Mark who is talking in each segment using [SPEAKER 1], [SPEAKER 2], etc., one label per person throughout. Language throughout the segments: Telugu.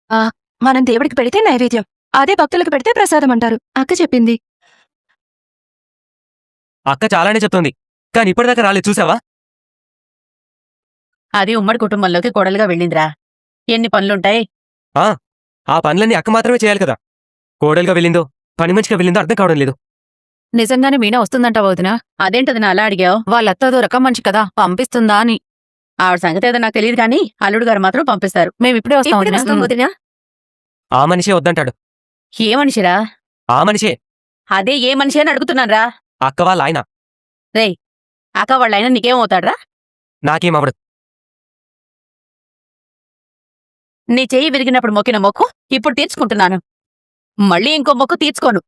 [SPEAKER 1] ఆ మనం దేవుడికి పెడితే నైవేద్యం, అదే భక్తులకు పెడితే ప్రసాదం అంటారు. అక్క చెప్పింది.
[SPEAKER 2] అక్క చాలానే చెప్తోంది, కానీ ఇప్పటిదాకా రాలేదు చూసావా?
[SPEAKER 3] అది ఉమ్మడి కుటుంబంలోకి కోడలుగా వెళ్ళిందిరా. ఎన్ని పనులుంటాయి.
[SPEAKER 2] ఆ పనులన్నీ అక్క మాత్రమే చేయాలి కదా. కోడలుగా వెళ్ళిందో పని మంచిగా వెళ్ళిందో అర్థం కావడం లేదు.
[SPEAKER 4] నిజంగానే మీనా వస్తుందంట వదినా?
[SPEAKER 3] అదేంటది నా అలా అడిగావు?
[SPEAKER 4] వాళ్ళత్తదో రకం మనిషి కదా, పంపిస్తుందా అని.
[SPEAKER 3] ఆవిడ సంగతి ఏదో నాకు తెలియదు కానీ అల్లుడు గారు మాత్రం పంపిస్తారు.
[SPEAKER 4] మేమిప్పుడే వస్తాం వదినా.
[SPEAKER 2] ఆ మనిషే వద్దంటాడు.
[SPEAKER 3] ఏ మనిషిరా?
[SPEAKER 2] ఆ మనిషే
[SPEAKER 3] అదే ఏ మనిషి అని అడుగుతున్నాన్రా.
[SPEAKER 2] అక్క వాళ్ళ ఆయన.
[SPEAKER 3] రేయ్, అక్క వాళ్ళైనా నీకేమవుతాడ్రా?
[SPEAKER 2] నాకేమవడు.
[SPEAKER 3] నీ చెయ్యి విరిగినప్పుడు మొక్కిన మొక్కు ఇప్పుడు తీర్చుకుంటున్నాను. మళ్ళీ ఇంకో మొక్కు తీర్చుకోను.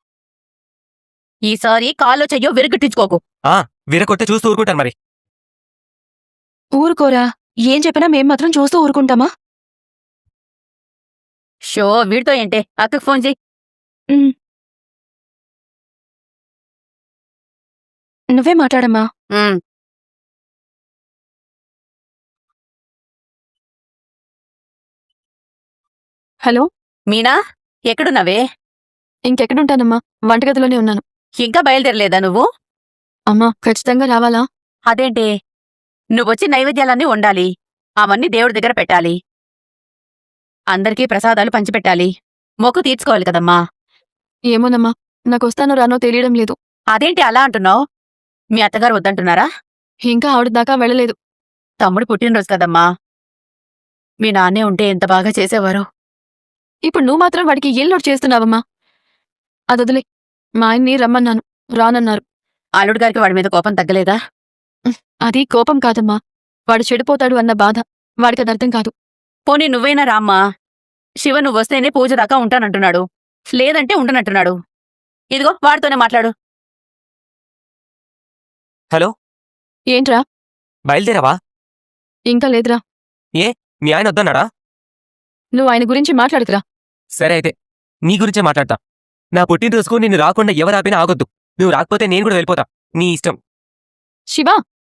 [SPEAKER 3] ఈసారి కాలో చెయ్యో విరగట్టించుకోకు.
[SPEAKER 2] వీరకొట్టే చూస్తూ ఊరుకుంటాను మరి.
[SPEAKER 1] ఊరుకోరా, ఏం చెప్పినా మేం మాత్రం చూస్తూ ఊరుకుంటామా?
[SPEAKER 3] షో వీడితో ఏంటే, అక్కకు ఫోన్ చెయ్యి.
[SPEAKER 1] నువ్వే మాట్లాడమ్మా. హలో
[SPEAKER 3] మీనా, ఎక్కడున్నావే?
[SPEAKER 1] ఇంకెక్కడుంటానమ్మా, వంటగదిలోనే ఉన్నాను.
[SPEAKER 3] ఇంకా బయలుదేరలేదా నువ్వు?
[SPEAKER 1] అమ్మా ఖచ్చితంగా రావాలా?
[SPEAKER 3] అదేంటే, నువ్వొచ్చి నైవేద్యాలన్నీ వండాలి, అవన్నీ దేవుడి దగ్గర పెట్టాలి, అందరికీ ప్రసాదాలు పంచిపెట్టాలి, మొక్కు తీర్చుకోవాలి కదమ్మా.
[SPEAKER 1] ఏమోనమ్మా, నాకొస్తానో రానో తెలియడం లేదు.
[SPEAKER 3] అదేంటి అలా అంటున్నావు? మీ అత్తగారు వద్దంటున్నారా?
[SPEAKER 1] ఇంకా ఆవిడ దాకా వెళ్ళలేదు.
[SPEAKER 3] తమ్ముడు పుట్టినరోజు కదమ్మా, మీ నాన్నే ఉంటే ఎంత బాగా చేసేవారో.
[SPEAKER 1] ఇప్పుడు నువ్వు మాత్రం వాడికి ఏం లోటు చేస్తున్నావమ్మా? అదొదిలే, మా ఆయన్ని రమ్మన్నాను, రానన్నారు.
[SPEAKER 3] అల్లుడు గారికి వాడి మీద కోపం తగ్గలేదా?
[SPEAKER 1] అది కోపం కాదమ్మా, వాడు చెడిపోతాడు అన్న బాధ. వాడికదర్థం కాదు.
[SPEAKER 3] పోనీ నువ్వైనా రామ్మా. శివ నువ్వొస్తేనే పూజ దాకా ఉంటానంటున్నాడు, లేదంటే ఉండనంటున్నాడు. ఇదిగో వాడితోనే మాట్లాడు.
[SPEAKER 2] హలో,
[SPEAKER 1] ఏంట్రా?
[SPEAKER 2] బయలుదేరావా?
[SPEAKER 1] ఇంకా లేదురా.
[SPEAKER 2] మీ ఆయన వద్దన్నాడా?
[SPEAKER 1] నువ్వు ఆయన గురించి మాట్లాడుకురా.
[SPEAKER 2] సరే అయితే నీ గురించే మాట్లాడతా. నా పుట్టినరోజుకు నిన్ను రాకుండా ఎవరాపినా ఆగొద్దు. నువ్వు రాకపోతే నేను కూడా వెళ్ళిపోతా. నీ ఇష్టం.
[SPEAKER 1] శివా,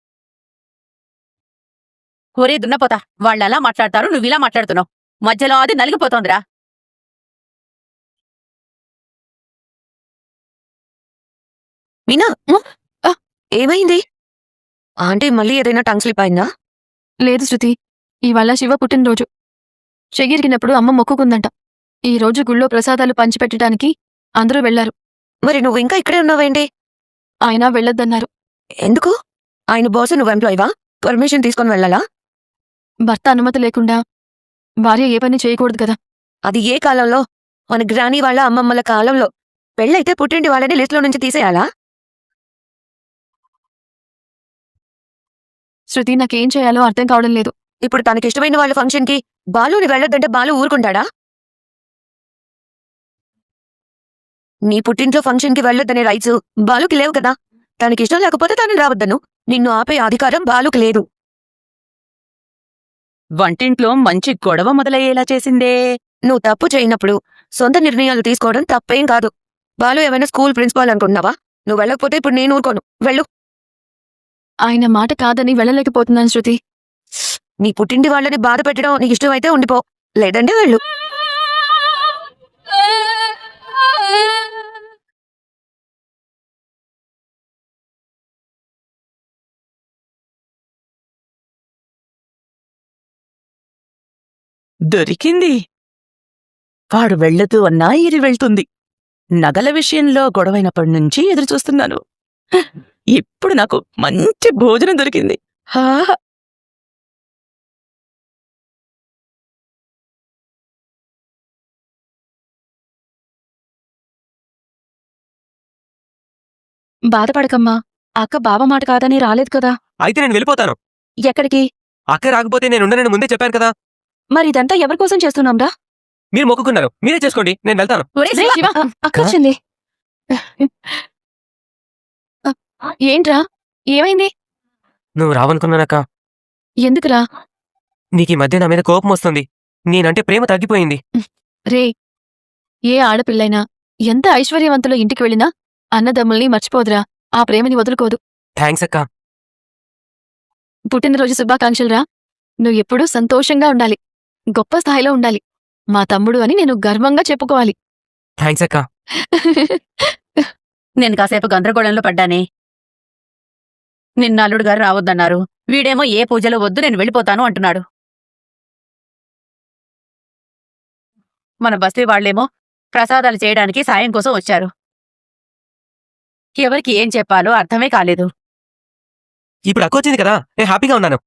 [SPEAKER 3] ఒరే దున్నపోతా, వాళ్ళలా మాట్లాడతారు, నువ్విలా మాట్లాడుతున్నావు. మధ్యలో అది నలిగిపోతోందిరా.
[SPEAKER 5] మీనా, ఏమైంది? ఆంటీ మళ్ళీ ఏదైనా టంగ్ స్లిప్ అయిందా?
[SPEAKER 1] లేదు శృతి, ఇవాళ శివ పుట్టినరోజు. చెయ్యిరిగినప్పుడు అమ్మ మొక్కుకుందంట. ఈ రోజు గుళ్ళో ప్రసాదాలు పంచిపెట్టడానికి అందరూ వెళ్లారు.
[SPEAKER 5] మరి నువ్వు ఇంకా ఇక్కడే ఉన్నావేంటి?
[SPEAKER 1] ఆయన వెళ్ళొద్దన్నారు.
[SPEAKER 5] ఎందుకు? ఆయన బాస్, నువ్వు ఎంప్లాయివా? పర్మిషన్ తీసుకొని వెళ్ళాలా?
[SPEAKER 1] భర్త అనుమతి లేకుండా భార్య ఏ పని చేయకూడదు కదా.
[SPEAKER 5] అది ఏ కాలంలో? మన గ్రానీ వాళ్ళ అమ్మమ్మల కాలంలో. పెళ్ళైతే పుట్టింటి వాళ్ళని లిస్టులో నుంచి తీసేయాలా?
[SPEAKER 1] శృతి, నాకేం చేయాలో అర్థం కావడం లేదు.
[SPEAKER 5] ఇప్పుడు తనకిష్టమైన వాళ్ళ ఫంక్షన్కి బాలుని వెళ్ళొద్దంటే బాలు ఊరుకుంటాడా? నీ పుట్టింట్లో ఫంక్షన్కి వెళ్ళొద్దనే రైట్స్ బాలుకి లేవు కదా. తనకిష్టం లేకపోతే తను రావద్దను. నిన్ను ఆపే అధికారం బాలుకి లేదు.
[SPEAKER 3] వంటింట్లో మంచి గొడవ మొదలయ్యేలా చేసిందే.
[SPEAKER 5] నువ్వు తప్పు చేయనప్పుడు సొంత నిర్ణయాలు తీసుకోవడం తప్పేం కాదు. బాలు ఏమైనా స్కూల్ ప్రిన్సిపాల్ అనుకుంటున్నావా? నువ్వు వెళ్ళకపోతే ఇప్పుడు నేను ఊరుకోను. వెళ్ళు.
[SPEAKER 1] ఆయన మాట కాదని వెళ్ళలేకపోతున్నాను శృతి.
[SPEAKER 5] నీ పుట్టింటి వాళ్ళని బాధ పెట్టడం నీకు ఇష్టమైతే ఉండిపో, లేదంటే వెళ్ళు.
[SPEAKER 6] దొరికింది. వాడు వెళ్ళదు అన్నా ఇది వెళ్తుంది. నగల విషయంలో గొడవైనప్పటి నుంచి ఎదురుచూస్తున్నాను. ఇప్పుడు నాకు మంచి భోజనం దొరికింది. హాహా.
[SPEAKER 1] బాధపడకమ్మా, అక్క బావ మాట కాదని రాలేదు కదా.
[SPEAKER 2] అయితే నేను వెళ్ళిపోతాను.
[SPEAKER 1] ఎక్కడికి?
[SPEAKER 2] అక్క రాకపోతే నేనుండనని ముందే చెప్పాను కదా.
[SPEAKER 1] మరి ఇదంతా ఎవరికోసం చేస్తున్నాంరా?
[SPEAKER 2] మీరు మొక్కుకున్నారు, మీరే చేసుకోండి, నేను వెళ్తాను.
[SPEAKER 3] ఒరే
[SPEAKER 1] రే
[SPEAKER 3] శివ,
[SPEAKER 1] శివ, అక్క వచ్చింది. ఏంట్రా, ఏమైంది?
[SPEAKER 2] నువ్వు రావనుకున్నానక్క.
[SPEAKER 1] ఎందుకురా?
[SPEAKER 2] నీకీ మధ్య నా మీద కోపం వస్తుంది. నేనంటే ప్రేమ తగ్గిపోయింది.
[SPEAKER 1] రే, ఏ ఆడపిల్లైనా ఎంత ఐశ్వర్యవంతుల ఇంటికి వెళ్ళినా అన్నదమ్ముల్ని మర్చిపోదురా, ఆ ప్రేమని వదులుకోదు.
[SPEAKER 2] థ్యాంక్స్ అక్క.
[SPEAKER 1] పుట్టినరోజు శుభాకాంక్షలురా. నువ్వు ఎప్పుడూ సంతోషంగా ఉండాలి, గొప్ప స్థాయిలో ఉండాలి. మా తమ్ముడు అని నేను గర్వంగా చెప్పుకోవాలి.
[SPEAKER 2] థ్యాంక్స్ అక్క.
[SPEAKER 3] నేను కాసేపు గందరగోళంలో పడ్డానే. నిన్న అల్లుడు గారు రావద్దన్నారు. వీడేమో ఏ పూజలో వద్దు నేను వెళ్ళిపోతాను అంటున్నాడు. మన బస్తీ వాళ్లేమో ప్రసాదాలు చేయడానికి సాయం కోసం వచ్చారు. ఎవరికి ఏం చెప్పాలో అర్థమే కాలేదు.
[SPEAKER 2] ఇప్పుడు అక్క వచ్చింది కదా, నేను హ్యాపీగా ఉన్నాను.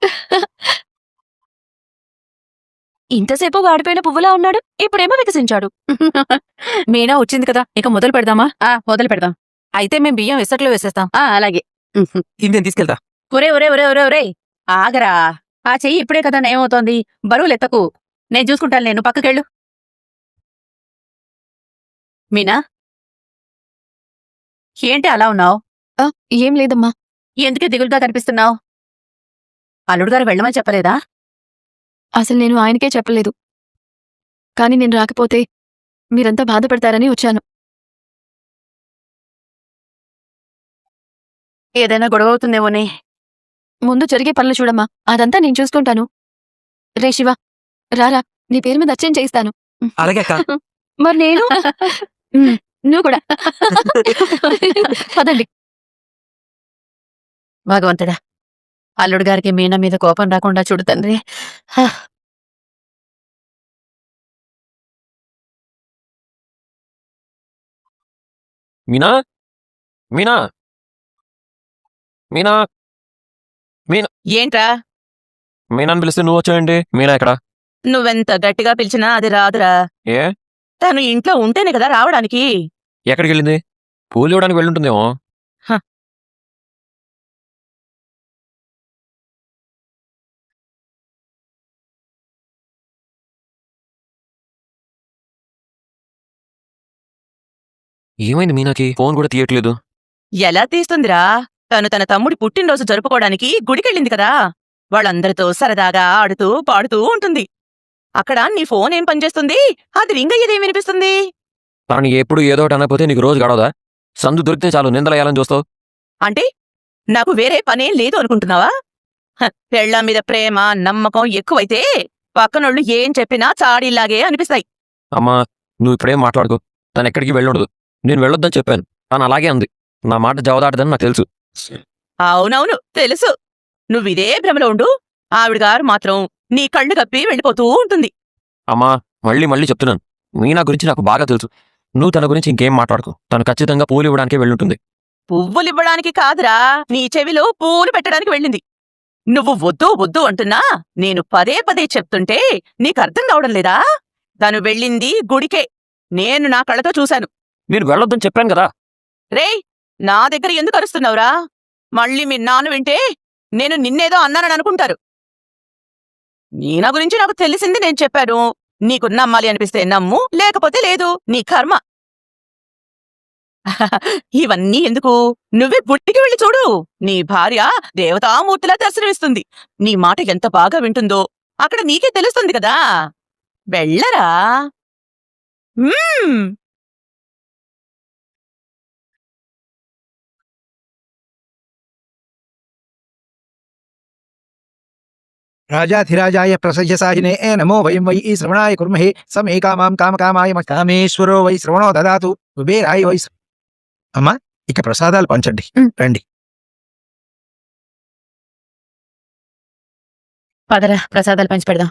[SPEAKER 1] ఇంతసేపు వాడిపోయిన పువ్వులా ఉన్నాడు, ఇప్పుడేమో వికసించాడు.
[SPEAKER 4] మీనా వచ్చింది కదా, ఇక మొదలు పెడదామా?
[SPEAKER 3] మొదలు పెడదాం.
[SPEAKER 4] అయితే మేం బియ్యం ఇసట్లో వేసేస్తాం.
[SPEAKER 3] అలాగే.
[SPEAKER 2] ఇది నేను తీసుకెళ్తా.
[SPEAKER 3] ఒరే ఒరే ఒరే ఒరే ఒరే ఆగరా. ఆ చెయ్యి ఇప్పుడే కదా ఏమవుతోంది. బరువులెత్తకు. నేను చూసుకుంటాను. నేను పక్కకెళ్ళు. మీనా, ఏంటి అలా ఉన్నావు?
[SPEAKER 1] ఏం లేదమ్మా.
[SPEAKER 3] ఎందుకే దిగులుగా కనిపిస్తున్నావు? అల్లుడు గారు వెళ్ళమని చెప్పలేదా?
[SPEAKER 1] అసలు నేను ఆయనకే చెప్పలేదు. కాని నేను రాకపోతే మీరంతా బాధపడతారని వచ్చాను.
[SPEAKER 3] ఏదైనా గొడవ అవుతుందేమోనే.
[SPEAKER 1] ముందు జరిగే పనులు చూడమ్మా, అదంతా నేను చూసుకుంటాను. రే శివ, రారా, నీ పేరు మీద అర్చన చేయిస్తాను.
[SPEAKER 2] అలాగే అక్క.
[SPEAKER 1] మరి నేను నువ్వు కూడా పదండి.
[SPEAKER 3] భగవంతుడా, అల్లుడు గారికి మీనా మీద కోపం రాకుండా చూడు తండ్రి.
[SPEAKER 2] మీనా, మీనా, మీనా, మీనా.
[SPEAKER 6] ఏంట్రా?
[SPEAKER 2] మీనాని పిలిస్తే నువ్వు వచ్చాయండి. మీనా ఎక్కడ?
[SPEAKER 6] నువ్వెంత గట్టిగా పిలిచినా అది రాదురా.
[SPEAKER 2] ఏ?
[SPEAKER 6] తను ఇంట్లో ఉంటేనే కదా రావడానికి.
[SPEAKER 2] ఎక్కడికి వెళ్ళింది? పూలు ఇవ్వడానికి వెళ్ళుంటుందేమో. ఏమైంది మీనాకి? ఫోన్ కూడా తీయట్లేదు.
[SPEAKER 6] ఎలా తీస్తుందిరా? తను తన తమ్ముడి పుట్టినరోజు జరుపుకోవడానికి గుడికెళ్ళింది కదా. వాళ్ళందరితో సరదాగా ఆడుతూ పాడుతూ ఉంటుంది. అక్కడ నీ ఫోన్ ఏం పనిచేస్తుంది? అది రింగ్ అయ్యేదేం వినిపిస్తుంది?
[SPEAKER 2] తనని ఎప్పుడు ఏదో ఒకటి అనకపోతే నీకు రోజు గడవదా? సందు దొరికితే చాలు నిందలేయాలని చూస్తావు.
[SPEAKER 6] అంటే నాకు వేరే పనేం లేదు అనుకుంటున్నావా? పెళ్ళాం మీద ప్రేమ నమ్మకం ఎక్కువైతే పక్కనోళ్ళు ఏం చెప్పినా చాడీలాగే అనిపిస్తాయి.
[SPEAKER 2] అమ్మా, నువ్వు ఇప్పుడేం మాట్లాడుకో. తను ఎక్కడికి వెళ్ళుండదు. నేను వెళ్ళొద్దని చెప్పాను. తను అలాగే అంది. నా మాట జవదాటదని నాకు తెలుసు.
[SPEAKER 6] అవునవును తెలుసు. నువ్విదే భ్రమలో ఉండు. ఆవిడగారు మాత్రం నీ కళ్ళు కప్పి వెళ్ళిపోతూ ఉంటుంది.
[SPEAKER 2] అమ్మా, మళ్ళీ మళ్ళీ చెప్తున్నాను, మీనా గురించి నాకు బాగా తెలుసు. నువ్వు తన గురించి ఇంకేం మాట్లాడుకో. తను ఖచ్చితంగా పూలు ఇవ్వడానికే వెళ్ళుంటుంది.
[SPEAKER 6] పువ్వులివ్వడానికి కాదురా, నీ చెవిలో పూలు పెట్టడానికి వెళ్ళింది. నువ్వు వద్దు వద్దు అంటున్నా నేను పదే పదే చెప్తుంటే నీకర్థం కావడం లేదా? తను వెళ్ళింది గుడికే. నేను నా కళ్ళతో చూశాను.
[SPEAKER 2] నేను వెళ్ళొద్దని చెప్పాను కదా.
[SPEAKER 6] రేయ్, నా దగ్గర ఎందుకు అరుస్తున్నావురా? మళ్ళీ మీ నాన్న వింటే నేను నిన్నేదో అన్నానని అనుకుంటారు. నీనా గురించి నాకు తెలిసింది నేను చెప్పాను. నీకు నమ్మాలి అనిపిస్తే నమ్ము, లేకపోతే లేదు, నీ కర్మ. ఇవన్నీ ఎందుకు? నువ్వే గుడికి వెళ్ళి చూడు. నీ భార్య దేవతామూర్తిలా దర్శనమిస్తుంది. నీ మాట ఎంత బాగా వింటుందో అక్కడ నీకే తెలుస్తుంది కదా. వెళ్ళరా.
[SPEAKER 7] राजाधिराजाय प्रसह्यसाहिने नमो वयं वै श्रवणाय कुर्महे समे कामां कामकामाय कामेश्वरो वै श्रवणो ददातु कुबेराय वै అమ్మా, ఇక ప్రసాదాలు పంచండి. రండి.
[SPEAKER 3] పదరా, ప్రసాదాలు పంచి పెడదాం.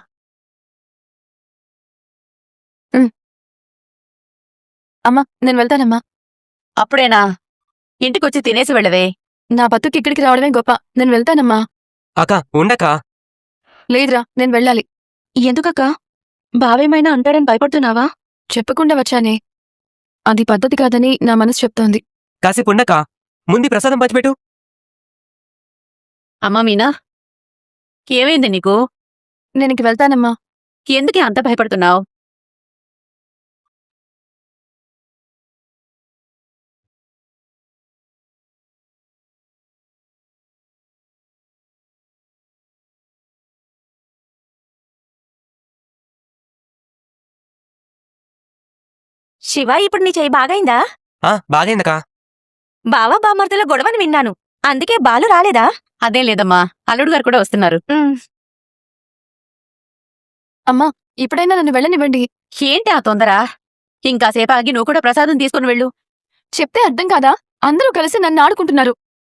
[SPEAKER 1] అమ్మా, నేను వెళ్తానమ్మా.
[SPEAKER 3] అప్పుడేనా? ఇంటికొచ్చి తినేసి వెళ్ళవే.
[SPEAKER 1] నా బతుకి ఇక్కడికి రావడమే గొప్ప. నేను వెళ్తానమ్మా.
[SPEAKER 2] అక్క ఉండక.
[SPEAKER 1] లేదురా, నేను వెళ్ళాలి. ఎందుకక్క? బావేమైనా అంటాడని భయపడుతున్నావా? చెప్పకుండా వచ్చానే. అది పద్ధతి కాదని నా మనసు చెప్తోంది.
[SPEAKER 2] కాసేపు ఉండక ముందు ప్రసాదం పంచిపెట్టు.
[SPEAKER 3] అమ్మా మీనా, ఏమైంది నీకు?
[SPEAKER 1] నేను ఇంక వెళ్తానమ్మా.
[SPEAKER 3] ఎందుకే అంత భయపడుతున్నావు?
[SPEAKER 4] శివ, ఇప్పుడు నీ చెయ్యి బాగైందా?
[SPEAKER 2] బాగైందకా.
[SPEAKER 4] బావా బామర్దుల గొడవని విన్నాను. అందుకే బాలు రాలేదా?
[SPEAKER 3] అదేం లేదమ్మా, అల్లుడు గారు కూడా వస్తున్నారు.
[SPEAKER 1] అమ్మా, ఇప్పుడైనా నన్ను వెళ్ళనివ్వండి.
[SPEAKER 3] ఏంటి ఆ తొందర? ఇంకాసేపు ఆగి నువ్వు కూడా ప్రసాదం తీసుకుని వెళ్ళు.
[SPEAKER 1] చెప్తే అర్థం కాదా? అందరూ కలిసి నన్ను ఆడుకుంటున్నారు.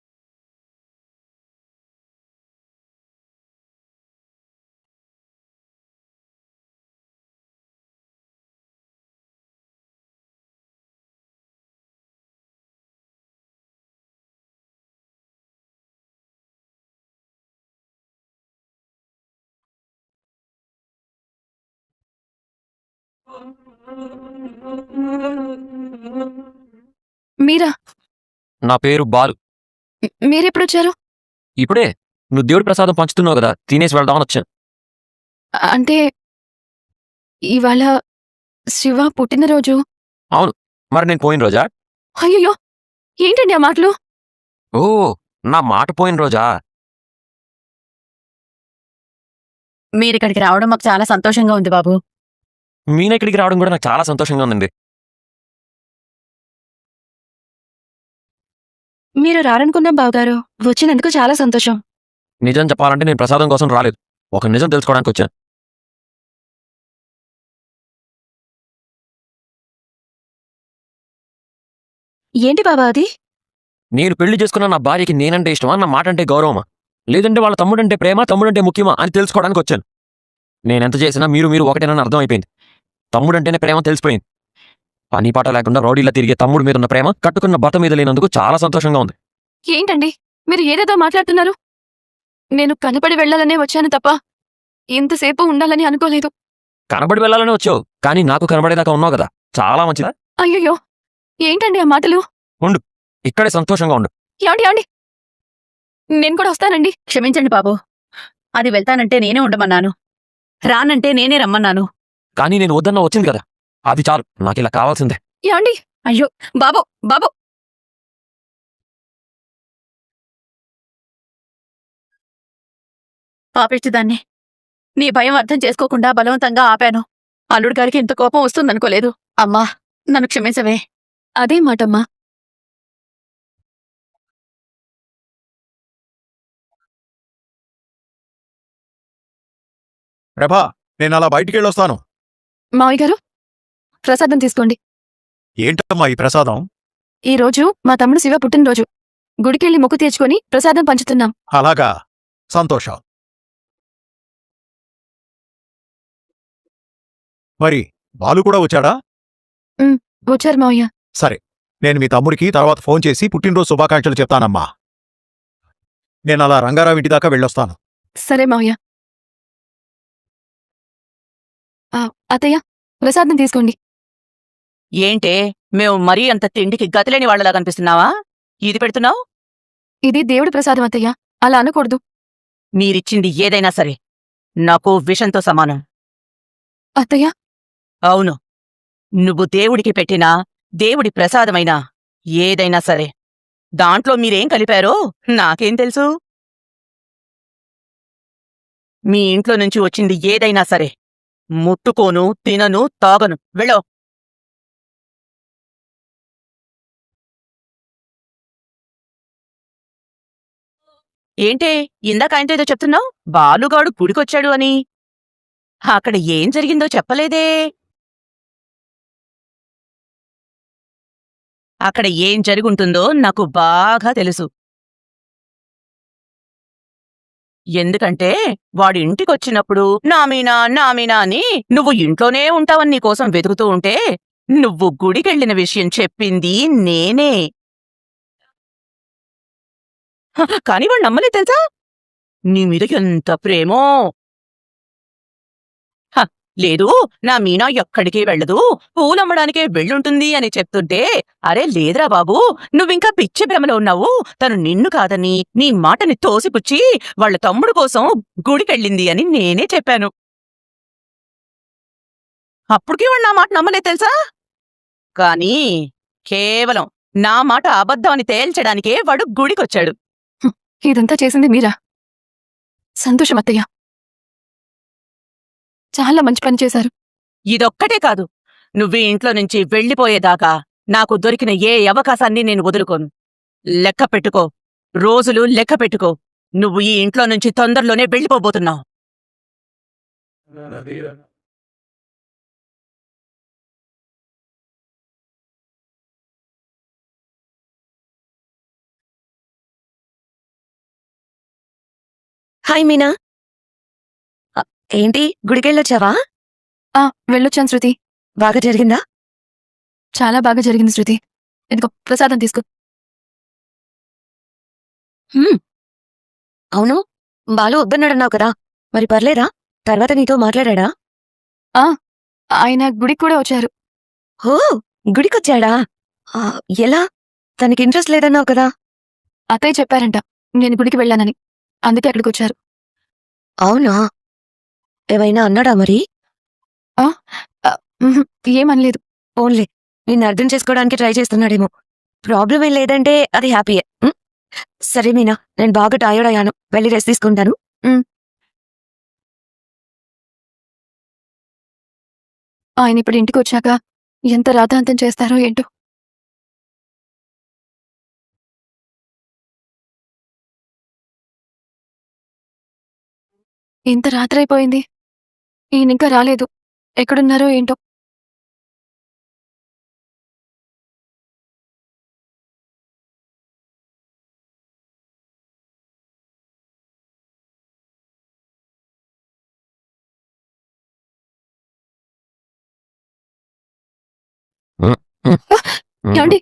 [SPEAKER 1] మీరా?
[SPEAKER 2] నా పేరు బాలు.
[SPEAKER 1] మీరెప్పుడొచ్చారు?
[SPEAKER 2] ఇప్పుడే నువ్వు దేవుడి ప్రసాదం పంచుతున్నావు కదా, తినేసి వెళ్దామని వచ్చాను.
[SPEAKER 1] అంటే ఇవాళ శివ పుట్టినరోజు.
[SPEAKER 2] మరి నేను పోయిన రోజా?
[SPEAKER 1] అయ్యయ్యో, ఏంటండి ఆ మాటలు?
[SPEAKER 2] ఓ, నా మాట పోయిన రోజా?
[SPEAKER 3] మీరిక్కడికి రావడం మాకు చాలా సంతోషంగా ఉంది బాబు.
[SPEAKER 2] మీన ఇక్కడికి రావడం కూడా నాకు చాలా సంతోషంగా ఉందండి.
[SPEAKER 1] మీరు రారనుకున్నాం బావగారు. వచ్చినందుకు చాలా సంతోషం.
[SPEAKER 2] నిజం చెప్పాలంటే నేను ప్రసాదం కోసం రాలేదు, ఒక నిజం తెలుసుకోవడానికి వచ్చాను.
[SPEAKER 1] ఏంటి బాబా అది?
[SPEAKER 2] నేను పెళ్లి చేసుకున్న నా భార్యకి నేనంటే ఇష్టమా, నా మాట అంటే గౌరవమా, లేదంటే వాళ్ళ తమ్ముడంటే ప్రేమ, తమ్ముడంటే ముఖ్యమా అని తెలుసుకోవడానికి వచ్చాను. నేనెంత చేసినా మీరు ఒకటేనని అర్థమైపోయింది. తమ్ముడంటేనే ప్రేమ తెలిసిపోయింది. పని పాట లేకుండా రౌడీలా తిరిగే తమ్ముడు మీద ఉన్న ప్రేమ కట్టుకున్న భర్త మీద లేనందుకు చాలా సంతోషంగా ఉంది.
[SPEAKER 1] ఏంటండి మీరు ఏదేదో మాట్లాడుతున్నారు? నేను కనపడి వెళ్ళాలనే వచ్చాను తప్ప ఇంతసేపు ఉండాలని అనుకోలేదు.
[SPEAKER 2] కనబడి వెళ్ళాలని వచ్చావు, కానీ నాకు కనబడేదాకా ఉన్నావు కదా, చాలా మంచిదా.
[SPEAKER 1] అయ్యయ్యో, ఏంటండి ఆ మాటలు?
[SPEAKER 2] ఇక్కడే సంతోషంగా ఉండు.
[SPEAKER 1] ఏమండి నేను కూడా వస్తానండి.
[SPEAKER 3] క్షమించండి బాబు. అది వెళ్తానంటే నేనే ఉండమన్నాను, రానంటే నేనే రమ్మన్నాను.
[SPEAKER 2] కానీ నేను వద్దన్నా వచ్చింది కదా, అది చాలు, నాకు ఇలా కావాల్సిందే.
[SPEAKER 1] ఏమండి?
[SPEAKER 3] అయ్యో బాబు, బాబు. పాపిష్టిదాన్ని నీ భయం అర్థం చేసుకోకుండా బలవంతంగా ఆపాను. అల్లుడు గారికి ఇంత కోపం వస్తుందనుకోలేదు. అమ్మా, నన్ను క్షమించవే.
[SPEAKER 1] అదే మాటమ్మా.
[SPEAKER 7] ప్రభా, నేను అలా బయటికి వెళ్ళొస్తాను.
[SPEAKER 1] మావయ్య గారు, ప్రసాదం తీసుకోండి.
[SPEAKER 7] ఏంటమ్మా ఈ ప్రసాదం?
[SPEAKER 1] ఈ రోజు మా తమ్ముడు శివ పుట్టినరోజు. గుడికెళ్ళి మొక్కు తీర్చుకొని ప్రసాదం పంచుతున్నాం.
[SPEAKER 7] అలాగా, సంతోషం. మరి బాలు కూడా వచ్చాడా?
[SPEAKER 1] వచ్చారు మావయ్య.
[SPEAKER 7] సరే, నేను మీ తమ్ముడికి తర్వాత ఫోన్ చేసి పుట్టినరోజు శుభాకాంక్షలు చెప్తానమ్మా. నేను అలా రంగారావు ఇంటి దాకా వెళ్ళొస్తాను.
[SPEAKER 1] సరే మావయ్య. అత్తయ్య, ప్రసాదం తీసుకోండి.
[SPEAKER 5] ఏంటే మేము మరీ అంత తిండికి గతిలేని వాళ్ళలా కనిపిస్తున్నావా? ఇది పెడుతున్నావు?
[SPEAKER 1] ఇది దేవుడి ప్రసాదం అత్తయ్య, అలా అనకూడదు.
[SPEAKER 5] మీరిచ్చింది ఏదైనా సరే నాకు విషంతో సమానం.
[SPEAKER 1] అత్తయ్య,
[SPEAKER 5] అవును, నువ్వు దేవుడికి పెట్టినా దేవుడి ప్రసాదమైనా ఏదైనా సరే దాంట్లో మీరేం కలిపారో నాకేం తెలుసు? మీ ఇంట్లో నుంచి వచ్చింది ఏదైనా సరే ముట్టుకోను, తినను, తాగను. వెళ్ళో. ఏంటే ఇందాక ఆయనతో ఏదో చెప్తున్నావు? బాలుగాడు గుడికొచ్చాడు అని. అక్కడ ఏం జరిగిందో చెప్పలేదే? అక్కడ ఏం జరుగుంటుందో నాకు బాగా తెలుసు. ఎందుకంటే వాడి ఇంటికొచ్చినప్పుడు నామీనా నామీనా అని నువ్వు ఇంట్లోనే ఉంటావని నీకోసం వెతుకుతూ ఉంటే నువ్వు గుడికెళ్ళిన విషయం చెప్పింది నేనే. కాని వాడు నమ్మలే తెలుసా? నీ మీద ఎంత ప్రేమో. లేదు, నా మీనా ఎక్కడికి వెళ్ళదు, పూలమ్మడానికే వెళ్ళుంటుంది అని చెప్తుంటే, అరే లేదురా బాబు, నువ్వింకా పిచ్చి భ్రమలో ఉన్నావు. తను నిన్ను కాదని నీ మాటని తోసిపుచ్చి వాళ్ళ తమ్ముడు కోసం గుడికెళ్ళింది అని నేనే చెప్పాను. అప్పటికీ వాడు నా మాట నమ్మలే తెలుసా? కానీ కేవలం నా మాట అబద్ధం అని తేల్చడానికే వాడు గుడికొచ్చాడు.
[SPEAKER 1] ఇదంతా చేసింది మీరా? సంతోషం అత్తయ్య, చాలా మంచి పని చేశారు.
[SPEAKER 5] ఇదొక్కటే కాదు, నువ్వు ఇంట్లో నుంచి వెళ్ళిపోయేదాకా నాకు దొరికిన ఏ అవకాశాన్ని నేను వదులుకోను. లెక్క పెట్టుకో, రోజులు లెక్క పెట్టుకో. నువ్వు ఈ ఇంట్లో నుంచి తొందరలోనే వెళ్ళిపోబోతున్నావు.
[SPEAKER 4] హాయ్ మీనా. ఆ, ఏంటి గుడికెళ్ళొచ్చావా?
[SPEAKER 1] వెళ్ళొచ్చాను శృతి.
[SPEAKER 4] బాగా జరిగిందా?
[SPEAKER 1] చాలా బాగా జరిగింది శృతి. ఇదిగో ప్రసాదం తీసుకో.
[SPEAKER 4] అవును, బాలు వద్దన్నాడన్నావు కదా, మరి పర్లేదా? తర్వాత నీతో మాట్లాడా?
[SPEAKER 1] ఆయన గుడికి కూడా వచ్చారు.
[SPEAKER 4] ఓ, గుడికొచ్చాడా? ఆ, ఎలా? తనకి ఇంట్రెస్ట్ లేదన్నావు కదా.
[SPEAKER 1] అత్తయ్య చెప్పారంట నేను గుడికి వెళ్ళానని, అందుకే అక్కడికి వచ్చారు.
[SPEAKER 4] అవునా? ఏమైనా అన్నాడా మరి?
[SPEAKER 1] ఉహుం, ఏమనలేదు.
[SPEAKER 4] ఓన్లే నిన్ను అర్థం చేసుకోవడానికి ట్రై చేస్తున్నాడేమో. ప్రాబ్లం ఏం లేదంటే అది హ్యాపీయే. సరే మీనా, నేను బాగా టైర్డ్ అయ్యాను, వెళ్ళి రెస్ట్ తీసుకుంటాను.
[SPEAKER 1] ఆయన ఇప్పుడు ఇంటికి వచ్చాక ఎంత రాతాంతం చేస్తారో ఏంటో. ఇంత రాత్రైపోయింది, ఈయన ఇంకా రాలేదు. ఎక్కడున్నారో ఏంటో. ఏమండి?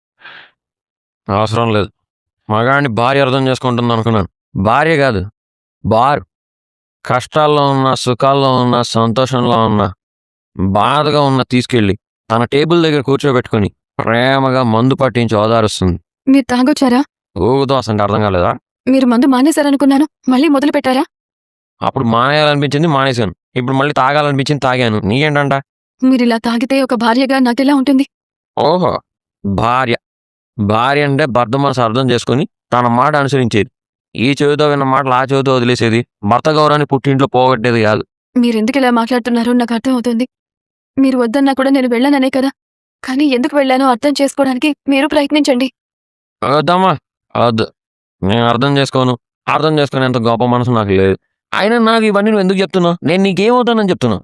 [SPEAKER 2] అవసరం లేదు. మగాడిని భార్య అర్థం చేసుకుంటుంది అనుకున్నాను. భార్య కాదు, బార్. కష్టాల్లో ఉన్నా, సుఖాల్లో ఉన్నా, సంతోషంలో ఉన్నా, బాధగా ఉన్నా తీసుకెళ్ళి తన టేబుల్ దగ్గర కూర్చోబెట్టుకుని ప్రేమగా మందు పట్టించి ఓదారుస్తుంది.
[SPEAKER 1] మీరు తాగొచ్చారా?
[SPEAKER 2] ఊగుదోస అంటే అర్థం కాలేదా?
[SPEAKER 1] మీరు మందు మానేశారనుకున్నాను, మళ్ళీ మొదలు పెట్టారా?
[SPEAKER 2] అప్పుడు మానేయాలనిపించింది, మానేశాను. ఇప్పుడు మళ్ళీ తాగాలనిపించింది, తాగాను. నీకేంటంట?
[SPEAKER 1] మీరిలా తాగితే ఒక భార్యగా నాకెలా ఉంటుంది?
[SPEAKER 2] ఓహో, భార్య. భార్య అంటే భర్త మనసు అర్థం చేసుకుని తన మాట అనుసరించేది. ఈ చెవితో విన్న మాటలు ఆ చెవితో వదిలేసేది. భర్త గౌరవాన్ని పుట్టింట్లో పోగొట్టేది కాదు.
[SPEAKER 1] మీరెందుకు ఇలా మాట్లాడుతున్నారో నాకు అర్థం అవుతుంది. మీరు వద్దన్నా కూడా నేను వెళ్ళాననే కదా. కానీ ఎందుకు వెళ్ళానో అర్థం చేసుకోవడానికి మీరు ప్రయత్నించండి.
[SPEAKER 2] వద్దమ్మా, వద్దు. నేను అర్థం చేసుకోను. అర్థం చేసుకునేంత గొప్ప మనసు నాకు లేదు. అయినా నాకు ఇవన్నీ నువ్వు ఎందుకు చెప్తున్నావు? నేను నీకేమవుతానని చెప్తున్నా.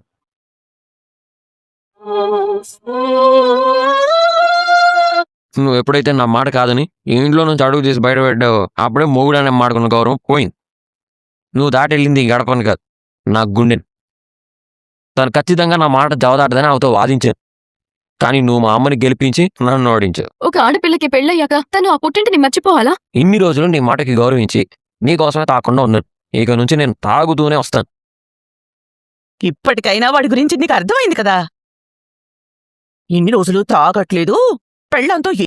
[SPEAKER 2] నువ్వు ఎప్పుడైతే నా మాట కాదని ఈ ఇంట్లో నుంచి అడుగు తీసి బయట పెట్టావో అప్పుడే మొగుడనే మాడుకున్న గౌరవం పోయింది. నువ్వు దాటి వెళ్ళింది ఈ గడపని కాదు, నా గుండెని. తను ఖచ్చితంగా నా మాట జవదాటదని అవతో వాదించాను. కానీ నువ్వు మా అమ్మని గెలిపించి నన్ను ఓడించావు.
[SPEAKER 1] ఒక ఆడపిల్లకి పెళ్ళయ్యాక తను ఆ పుట్టింటిని మర్చిపోవాలా?
[SPEAKER 2] ఇన్ని రోజులు నీ మాటకి గౌరవించి నీకోసమే తాకుండా ఉన్నాను. ఇక నుంచి నేను తాగుతూనే వస్తాను.
[SPEAKER 5] ఇప్పటికైనా వాడి గురించి నీకు అర్థమైంది కదా. ఇన్ని రోజులు తాగట్లేదు, పెళ్ళంతో